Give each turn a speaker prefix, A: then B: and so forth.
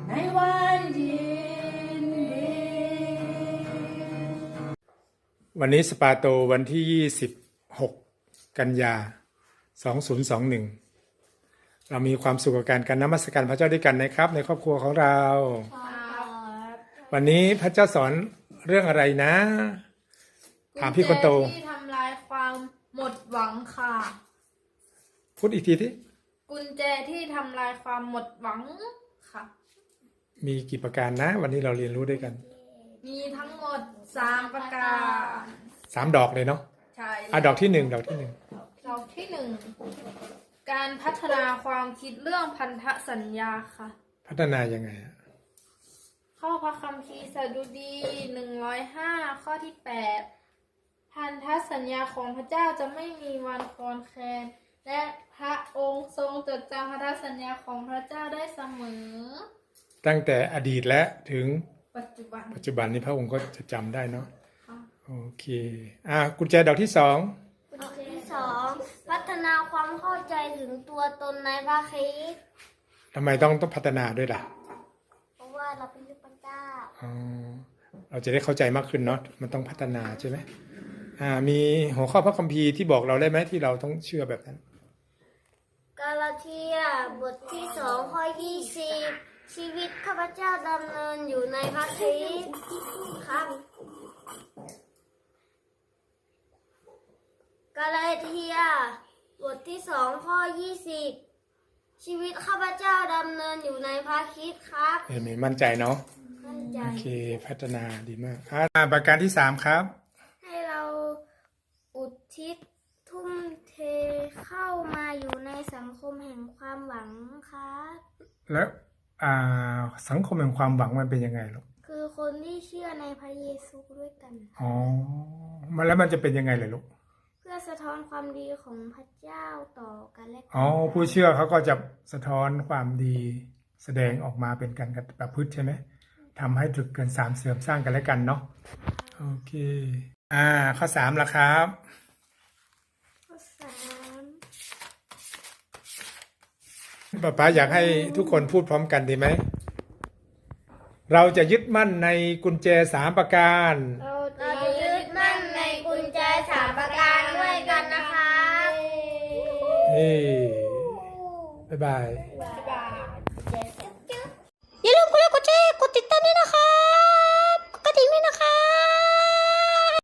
A: ในวันยินดี
B: วันนี้สปาโตวันที่26กันยา2021เรามีความสุขกับการนมัสการพระเจ้าด้วยกันนะครับ ในครอบครัวของเรา วันนี้พระเจ้าสอนเรื่องอะไรนะ ถามพี่คนโต
C: ที่ทำลายความหมดหวังค่ะ
B: พูดอีกทีที่
C: กุญแจที่ทำลายความหมดหวังค่ะ
B: มีกี่ประการนะ วันนี้เราเรียนรู้ด้วยกัน
C: มีทั้งหมด3ประการ
B: 3 ดอกเลยเนาะ
C: ใช่
B: ดอกที่1ดอกที่1
C: ดอกที่1การพัฒนาความคิดเรื่องพันธสัญญาค่ะ
B: พัฒนายังไงอะ
C: ข้อพระคัมภีร์สดุดี105ข้อที่8พันธสัญญาของพระเจ้าจะไม่มีวันคลอนแคลนและพระองค์ทรงจดจำพันธสัญญาของพระเจ้าได้เสมอ
B: ตั้งแต่อดีตและถึง
C: ปัจจุบัน
B: ปัจจุบันนี้พระองค์ก็จะจำได้เนาะ
C: ค่ะ
B: โอเคกุญแจดอกที่2
D: ข้อที่2พัฒนาความเข้าใจถึงตัวตนในพระคริสต์
B: ทำไมต้องพัฒนาด้วยล่ะ
D: เพราะว่าเราเป็นลูกพระเจ้า
B: เราจะได้เข้าใจมากขึ้นเนาะ มันต้องพัฒนาใช่ไหมมีหัวข้อพระคัมภีร์ที่บอกเราได้ไหมที่เราต้องเชื่อแบบนั้น
D: กาลาเทียบทที่2ข้อ20ชีวิตข้าพเจ้าดำเนินอยู่ในพระคริสต์ครับกาลาเทียบทที่2ข้อ20ชีวิตข้าพเจ้าดำเนินอยู่ในพระคริสต์ครับ
B: เห็นไหมมั่นใจเนาะ
D: มั่นใจ
B: โอเค พัฒนาดีมากประการที่3ครับ
D: ให้เราอุทิศทุ่มเทเข้ามาอยู่ในสังคมแห่งความหวังครับ
B: แล้วสังคมแห่งความหวังมันเป็นยังไงลูก
D: คือคนที่เชื่อในพระเยซูด้วยกัน
B: แล้วมันจะเป็นยังไงเลยลูก
D: เพื่อสะท้อนความดีของพระเจ้าต่อกันและกั
B: ผู้เชื่อเขาก็จะสะท้อนความดีแสดงออกมาเป็นการประพฤติใช่ไหมทำให้ถึกเกิน3เสริมสร้างกันและกันเนาะ โอเค ข้อ3ล่ะครับ
D: ข้อ3
B: ป๊าอยากให้ทุกคนพูดพร้อมกันดีไหม เราจะยึดมั่นในกุญแจ3ประการ
D: เราจะยึดมั่นในกุญแจ3ประการด้วยกันนะคะ
B: บ๊ายบาย
D: บ๊ายบาย